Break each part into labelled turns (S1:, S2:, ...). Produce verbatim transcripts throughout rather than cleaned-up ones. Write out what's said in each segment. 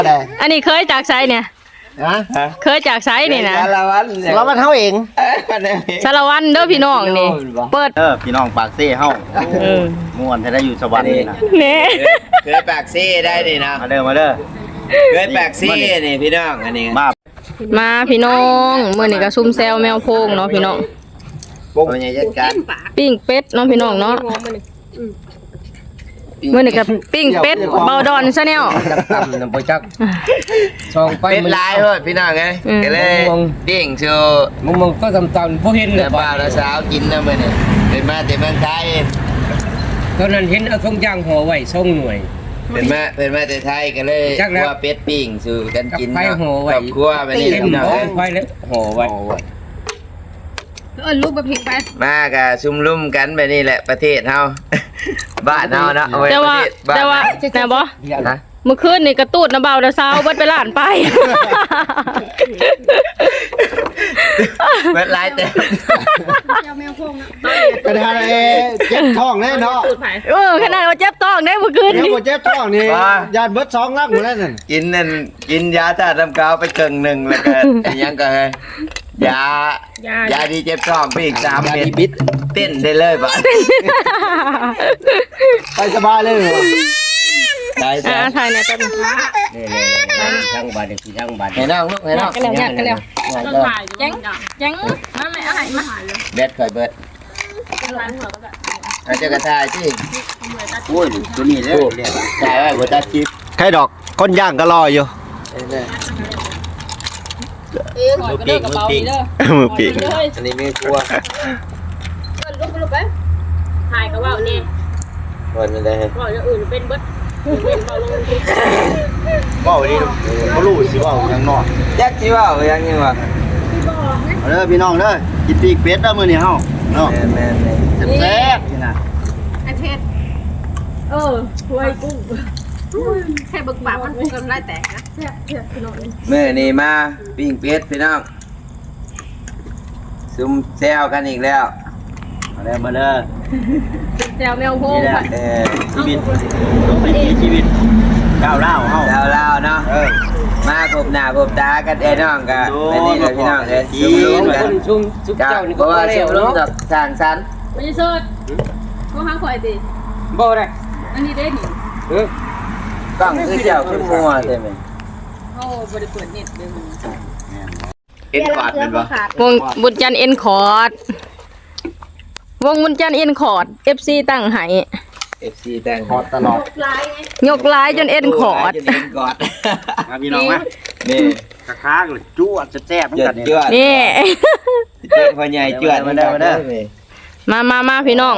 S1: อันนี้เคยจากไซเนี่ยฮะเคยจากไซนี่นะ
S2: สารวัตรสารวัตรเฮาเอง
S1: สารวัตรเด้อพี่น้องนี่เปิด
S3: เออพี่น้องปากเซ่เฮาม่วนจะได้อยู่สวรรค์นี่นะ
S1: นี่
S2: เคยปากซี่ได้นี่นะ
S3: มาเด้อมาเด้อ
S2: เคยปากซี่นี่พี่น้องอันนี้
S3: มา
S1: มาพี่น้องมื้อนี้ก็ซุ่มแซวแมวโพงเนาะพี่น้อง
S2: ปุ๊บเป็นไงจัดการ
S1: ปิ้งเป็ดเนาะพี่น้องเนาะมื้อนี้ก็ปิ้งเป็ดเบาดอนซะแนว
S2: จักตำน้ำปจักซองไปเป็นลายเฮ้ยพี่น้องไงก็เลยปิ้งโชว์มึงมึงก็ตำตำพวกเห็นเลยบ้าแล้วสาวกินนะมื้อนี้เป็นมาแต่เมืองไทยตอนนั้นเห็นเอาทงย่างห่อไว้ส่งหน่วยเป็นมาเป็นมาแต่ไทยก็เลยว่าเป็ดปิ้งสู่กันกินเนาะครอบครัวไปนี่พี่น้องไว้แล้วห่อไว้
S1: เออลูกแบบพิงไป
S2: มากะซุ่มลุ่มกันไปนี่แหละประเทศเฮาบ้านเฮาเนาะ
S1: แต่ว่าแต่ว่าแต่บ่เมื่อคืนนี่กระตูดนะเบาแต่เช้าเบิดไปล้านไป
S2: เบิดหลายแต่
S4: กระดาษเอเจ็บท้องแน่เนาะ
S1: เออขนาดว่าเจ็บท้องได้เมื่อคืน
S4: นี่เจ็บท้องนี่ยาเบิดสองลักหมดแล้วนั่น
S2: กินนั่นกินยาธาตุน้ำกาวไปเกิงหนึ่งแล้วก็ยังก็ยายาดีเจ็บท้องไปอีกสามเม็ดบิดเต้นได้เลยบ้าน
S4: ไปสบายเลยเหรอ
S2: ได้จ้ะ
S1: ถ่ายเนี่ยต้น
S2: นี่ๆช่างบาดคือช่างบาดให้น้องลูกให้น้อง
S1: กันแล้วกันแล้วจังจังมาไม่เอาให้มา
S2: เบ็ดค่อยเบิดเอาเจ้ากระทายที่
S3: โอ้ยตัวนี้เลย
S2: ถ่ายไว้บ่ตัดคลิป
S4: ใครดอกคนย่างก็รออยู่
S1: มือปีกมือปีก
S4: มือปีก
S2: อันนี้ไม่กลัว
S1: ลุกไปลุกไปถ่ายก็ว่านี่
S2: วันนี้ได้
S1: ก่อนจะอื่นเป็นเบิดเป็นเบาลง
S4: ว่าวันนี้เขารู้สิว่ายังนอน
S2: ยักษ์ที่ว่ายังยังวะ
S4: เอาเด้อพี่น้องเด้อกินปีกเป็ดเด้อมื้อนี้เฮาเนาะ
S2: แม่ๆ
S4: แซ่บๆนี่นะ
S1: ไอ้เพชรเออถ้วยกุ้งแค่บึกบามันกำไรแตกนะ
S2: เมื่อนี่มาปิ้งเป็ดพี่น้องซุ่มแซวกันอีกแล้ว
S4: มาเด้อมาเด้อ
S1: แซวแมวโพงค่ะ
S2: เออ
S4: ชีวิตวิถีชีวิตก้าวร้าวเฮา
S2: ก้าวร้าวเนาะมาพบหน้าพบตากันไอ้น้องกันอันนี้เลยพี่น้องเลยซุ่มลุ้มกันซุ่มซุ่มเจ้านี่ก็ว่าซุ่มลุ้มจากสร้างสรรค์
S1: ไม่ใช่สุดก็หางข่อยดิ
S2: บ่ได้
S1: อันนี้ได้นี่
S2: เออก้องคือเจ้าคือมัวใช่ไหม
S1: โอ้บริเปิดเน็ตเลย
S2: เอ็นคอร์ดเป็นปะ
S1: วงบุญจันเอ็นคอร์ดวงบุญจันเอ็นคอร์ดเอฟซีตั้งให้
S2: เอฟซีแต่ง
S4: คอร์ดตลอด
S1: ยกลายจนเอ็นคอร์ด
S4: มาพี่น้องมา
S2: นี่
S4: ค้างเลยจ้วดจะแซ่บเหมือนกัน
S1: นี่
S2: เจ้าพ่อใหญ่จวด
S4: มาเด้อมาเด้อ
S1: มามามาพี่น้อง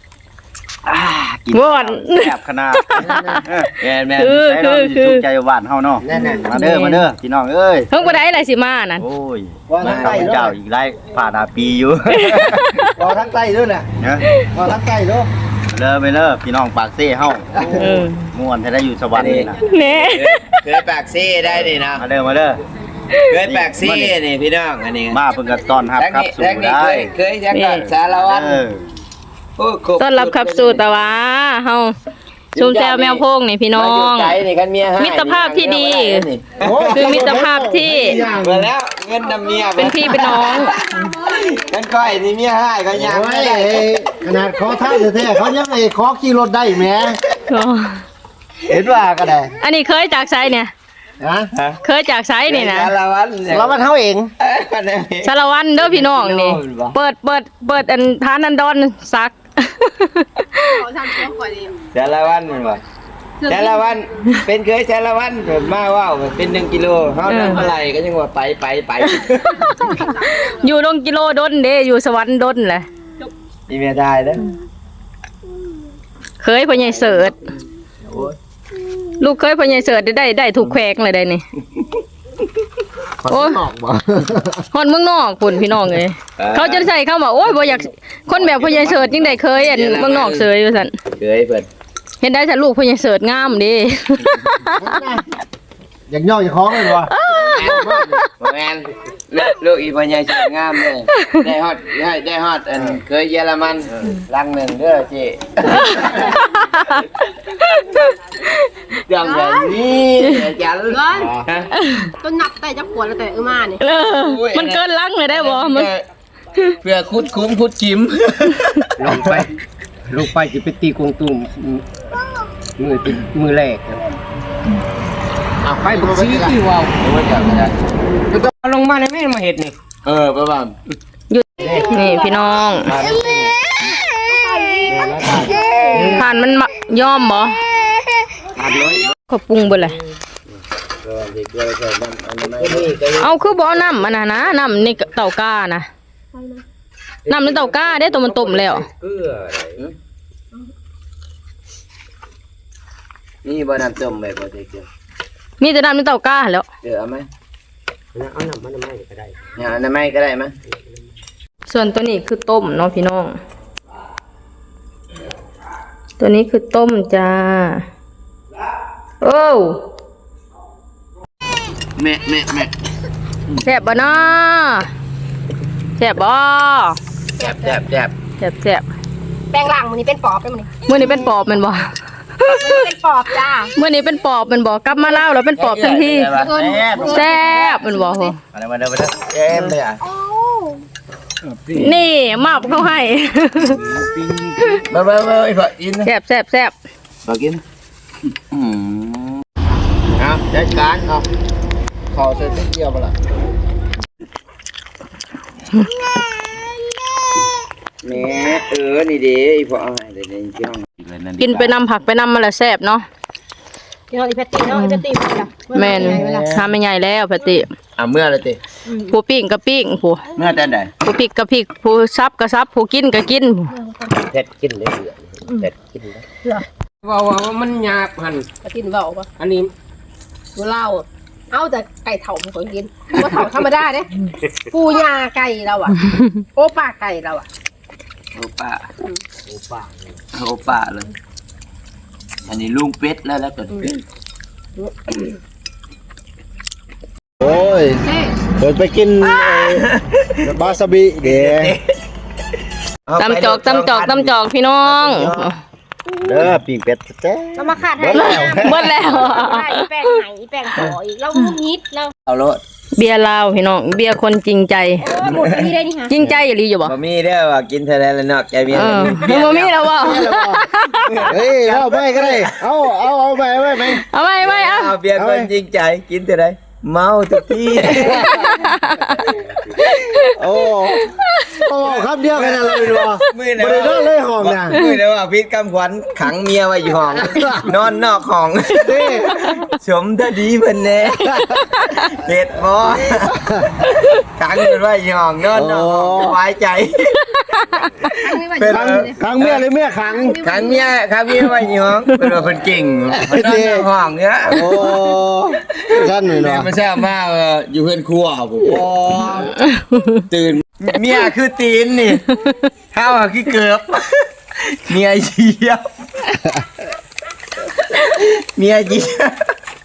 S1: วอน
S3: แซ่บขนาด
S2: แม่แม่
S1: คือคือคือ
S3: ใจหวานเฮาเนาะมาเด้อมาเด้อพี่น้องเอ้ย
S1: เพิ่งไปได้อะไรสิมานั่น
S3: โอ้ยมาเจ้าอีกไรผ่านอาปีอยู่
S4: รอทั้งใต้ด้วยน่ะรอทั้งใต้ด้วย
S3: เด้อไปเด้อพี่น้องปากเซ่เฮาม่วนจะได้อยู่สวรรค์นี่นะ
S1: นี่
S2: เคยปากซี่ได้นี่นะ
S3: มาเด้อมาเด้อ
S2: เคยปากซี่นี่พี่น้องอันนี้
S3: มาเพิ่งก็ต้อนรับครับสู่ได้
S2: เคยจังก่อนสารวัตร
S1: ต้อนรับขับสู่ตะวะเฮาชุมแจวแมวโพงนี่พี่น้องมิตรภาพที่ดีคือมิตรภาพที่
S2: มาแล้วเงินนำเมีย
S1: เป็นพี่เป็นน้อง
S2: กันก้อยนี่เมียให้ก็ยังไม่ได้
S4: ขนาดขอท้ายแท้ๆเขายังไอ้ขอขี่รถได้แหมเห็นว่าก็ได้
S1: อันนี้เคยจากไซเนี่ยเคยจากไซนี่นะ
S2: สารวัตร
S4: สารวัตรเฮาเอง
S1: สารวัตรเด้อพี่น้องนี่เปิดเปิดเปิดอันทานอันดอนซัก
S2: สารวัตรมันว่าสารวัตรเป็นเคยสารวัตรมาว่าวเป็นหนึ่งกิโลเฮาทำอะไรก็ยังว่าไปไปไป
S1: อยู่ลงกิโลดนเด้อยู่สวรรค์ดนแหละ
S2: มีเมียได้เด้อ
S1: เคยพ่อใหญ่เสิร์ชลูกเคยพ่อใหญ่เสิร์ชได้ได้ถูกแขวงเลยได้นี่
S4: โอ้
S1: ฮอนเมืองนอกพุ่นพี่น้องเลยเขาจะใส่เข้ามาโอ้ยบ่อยากคนแบบพ่อใหญ่เสิร์ชยังได้เคยอันเมืองนอกเสยอยู่สั่น
S2: เคยเพิ่น
S1: เห็นได้แต่ลูกพ่อใหญ่เสิร์ชงามดิ
S4: อยากย่ออยากคล้องเลยวะ
S2: แม่นลูกอีพ่อใหญ่สวยงามเลยได้ฮอดได้ได้ฮอดอันเคยเยอรมันลังหนึ่งเด้อเจ๊อย่างแบบนี้จัน
S5: ร้อนต้นนับแต่จะขวดแล้วแต่อือมาเนี่ย
S1: เออมันเกินลังเลยได้บ่มัน
S2: เพื่อคุดคุ้มคุดจิ้ม
S6: ลงไปลงไปจะไปตีกงตุ้มมือติมือแรกครับเอาไปบุกซีที่ว่าว
S2: ว่าจะไม่ได้
S6: ก็ต้องเอาลงมาในแม่มาเห็ดนี่
S2: เออประมาณ
S1: หยุดนี่พี่น้องผ่านมันมาย่อมบ่
S6: ขาดเลย
S1: เขาปรุงเบิดเลยเอาคือบ่เอาน้ำมันน่ะนะน้ำในเตาก้านะน้ำในเตาก้าได้ตัวมันต้มแล้ว
S6: เกลืออะไร
S2: นี่บ่น้ำต้มแบบบ่ได้เกี่ยว
S1: มีแต่น้ำในเตาก้าแล้ว
S2: เดี๋ยวเอาไหม
S6: เอาหนังมันไม่ก็ได้
S2: เนี่ยอันนั้นไม่ก็ได้มั้ย
S1: ส่วนตัวนี้คือต้มเนาะพี่น้อง ตัวนี้คือต้มจ้าโอ้
S2: แม่แม่แม่
S1: แซ่บบ่เนาะแซ่บบ่
S2: แซ่บแซ่บแซ่บ
S1: แซ่บแซ่บ
S5: แปลงร่างมันนี่เป็นปอบเป็นมันนี่
S1: มื้อนี้เป็นปอบแมันบ่
S5: มันนี่เป็นปอบจ้า
S1: มื้อนี้เป็นปอบแมันบ่กลับมาลาวแล้วเป็นปอบทันที
S5: เงิน
S1: แซ่บแมันบ่โห
S3: มาเด้อมาเด้อมาเด้อ
S2: แก้มเลยอ่ะ
S1: นี่มาบเขาให้
S2: มามามาไอ้พ่อกิน
S1: แซ่บแซ่บแซ่บ
S2: พ่อกินอืมเอาจัดการเอาขอเสร็จเดียวบ่ล่ะแม่เออนี่ดิไอ้พ่อเอาให้เดี๋ยวนี้พี่น้อง
S1: กินไปนำผักไปนำมาแล้วแซ่บเนาะ
S5: ที่เราอีแพตตี้เนาะอีแพตตี้มันจ้ะ
S1: แม่นทำไม่ใหญ่แล้วพะติ
S2: อ่ะเมื่อไรติ
S1: ผู้ปิ้งก็ปิ้งผู้
S2: เมื่อแต่ไหน
S1: ผู้พริกก็พริกผู้ซับก็ซับผู้กินก็กิน
S6: เผ็ดกินเลยเผ็ดกินเลยว่าว่ามันหยาบหัน
S5: กระตินเบาปะ
S6: อันนี้
S5: ตัวเล่าเอาแต่ไก่เถ่ามันคนกินว่าเถ่าธรรมดาเด้ปูยาไก่เราอ่ะโอปาไก่เราอ่ะ
S2: โอป้า
S6: โอ้ป่า
S2: โอป้าเลย อันนี้ลุงเป็ดแล้วแล้วก็เป็ด
S4: โอ้ย
S5: เฮ้
S4: เดินไปกินไอ้บาซาบิเด้
S1: ตำจอกตำจอกตำจอกพี่น้อง
S4: เด้อปิ้งเป็ดแท้
S5: เรามาขาดให้
S1: เบิดแล้ว
S5: อีแป้งไหนอีแป้งขออีกเรานิดเรา
S2: เอาโลด
S1: เบียร์ลาวพี่น้องเบียร์คนจริงใจ
S5: โอ้หมดที่ได้นี่ฮะ
S1: จริงใจอย่าลีอยู่บ่
S2: บ่มีเด้อว่ากินเท่าไรแล้วเนาะแกมี
S1: เออมันบ่มีแล้วบ่
S4: เฮ้ยเอาไปก็ได้เอาเอาเอาไปเอาไปไหม
S1: เอาไว้ไว้เอา
S2: เอาเบียร์คนจริงใจกินเท่าไรเมาทุกที
S4: โอ้โอ้คำเดียวกันอะไรดูวะ
S2: มือ
S4: บ่ได้นอนเลยห้องน่ะ
S2: มือเด้อว่าพิษกำขวัญขังเมียไว้อยู่ห้อง นอนนอกห้อง
S4: นี่
S2: สมทดีเพิ่นแน่เฮ็ดบ่ขังเพิ่นไว้อยู่ห้องนอนนอกห้องสบายใจ เป็น
S4: ขังขังเมียหรือเมียขัง
S2: ขังเมียขังเมียไว้อยู่ห้องเพิ่นว่าเพิ่นเก่งเพิ่นนอนนอกห้องเนี่ย
S4: โอ้ท่านหน่อย
S2: แม่
S4: เนาะ
S2: มาแซ่บมากเอออยู่เพื่อนครัวผมโอ้ตื่นเมียคือตีนนี่เท้าอะคือเกือบเมียเยียบเมียเยียบ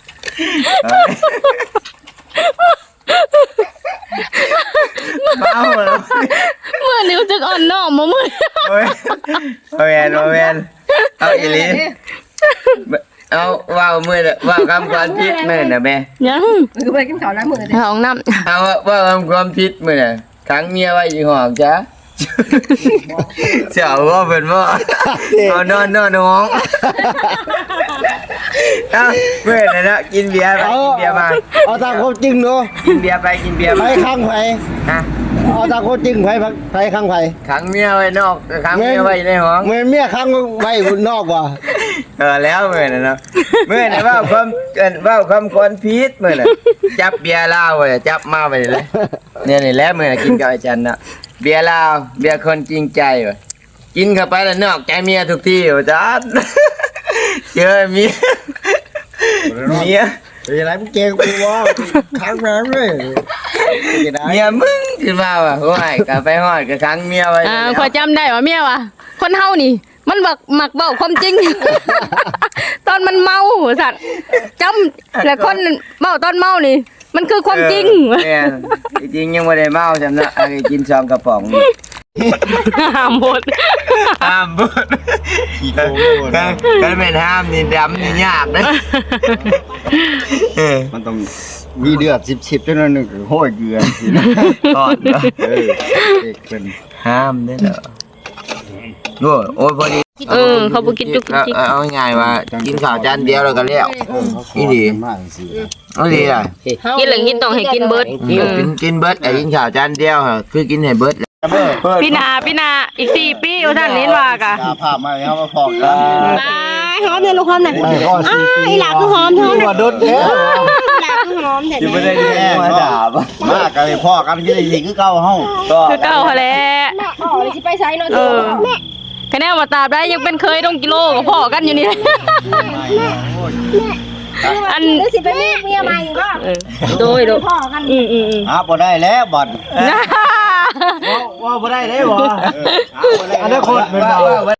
S2: เมาแล้ว
S1: เมื่อนิ้วจึกอ่อนน้อมบ่มื้อ
S2: โอ้ยโอ้ยโอ้ยเอาอีหลีเอาว่าวมือว่าวคำความผิดมือนะแม่
S1: ยัง
S5: คือไปกินข้าวแล้วมือเด้
S1: ห้องน้ำ
S2: เอาว่าวคำความผิดมือน่ะขังเมียไว้อยู่ห้องจ้ะเจ้าว่าเป็นว่าเอานอนนอนห้องเอาเมื่อไหร่นะกินเบียร์ไป
S4: เอา
S2: กินเบียร์มา
S4: เอาตามความจริงเนาะ
S2: กินเบียร์ไปกินเบียร์
S4: ไผ
S2: มา
S4: ข้างไผ
S2: ฮะ
S4: เอาตามความจริงไผไผข้างไผ
S2: ขังเมียไว้นอกขังเมียไว้ในห้อง
S4: เหมือนเมียข้างไว้บนนอกว่ะ
S2: เออแล้วเมื่อไหร่นะเมื่อไหร่ว่าความเอ่อว่าความคนผิดเมื่อไหร่จับเบียร์เหล้าไว้จับมาไปเลยเนี่ยนี่แหละเมื่อไหร่กินกับอาจารย์นะเบียร์เหล้าเบียร์คนจริงใจว่ะกินเข้าไปแล้วนอกใจเมียทุกที่อาจารย์เจอเมียเมีย
S4: เป็นยังไงมึงเก่งกูวะข้างน้ำเลยจะได้
S2: เมียมึงขึ้นมาว่ะโอ้ยกลับไปฮอดกับครั้งเมียไว้
S1: อ่า
S2: แล้ว
S1: ขอยจำได้ว่าเมียว่ะคนเฮานี่ มันบักหมักเบ้าความจริง ตอนมันเมาสัตว์จำแล้วคนเมาตอนเมานี่มันคือความจริง
S2: แม่นจริงๆยังไม่ได้เมาจำนะอันนี้กินซองกระป๋อง
S1: ห้ามหมด
S2: ห้ามบุด
S3: ขี้โกงโกง
S2: ก็เป็นห้ามนี่ดำนี่ยากนะเออ
S3: มันต้องมีเดือดสิบๆจนนั้นนึงคือโห้ยเกลือสินะ
S2: ก่อนเนอะ
S3: เออเด็กเป็น
S2: ห้ามได้เหรอโอ้โอ้ยพอดี
S1: เออเขาบ่กินจุกจิก
S2: เอาเอาง่ายๆว่ากินข้าวจานเดียวแล้วก็เลี้ยว นี่ดี
S3: มากสิ
S2: เอาดีอ่ะ
S1: กินเหลืองกินต้องให้กินเบิด
S2: กินกินเบิร์ดไอ้กินข้าวจานเดียวฮะคือกินให้เบิร์ด
S1: พี่นาพี่นาอีกสี่ปีอยู่ท่านนี้ว่ากะ
S3: ตาภาพมาแล้วมาพอกัน
S5: หอมเนี่ยลูกหอมเนี่ยอ้าอีหลาคือหอมท้องเนี่ย
S4: ว่าโดนแท้
S5: หลาคือหอมแต่
S3: ยังไม่ได้แย่มาด่าบ่มากกันเลยพ่อกันที่ได้ยิงคือเก่าเฮา
S1: คือเก้าเขาแหล้ว
S5: แม่อ๋อเลยสิไปใช้เนาะ
S1: เออคะแนนมาตราบได้ยังเป็นเคยต้องกิโลกับพ่อกันอยู่นี่ อัน
S5: หรือสิไปมีเมียใหม่ก็
S1: เออโดยโดย
S5: พ่อกัน
S1: อืมอืมอืม
S3: หาบ่ได้แล้วบ่
S4: ว่าบ่ได้เด้บ่
S3: หาบ่ได้
S4: อนาคตเป็นบ่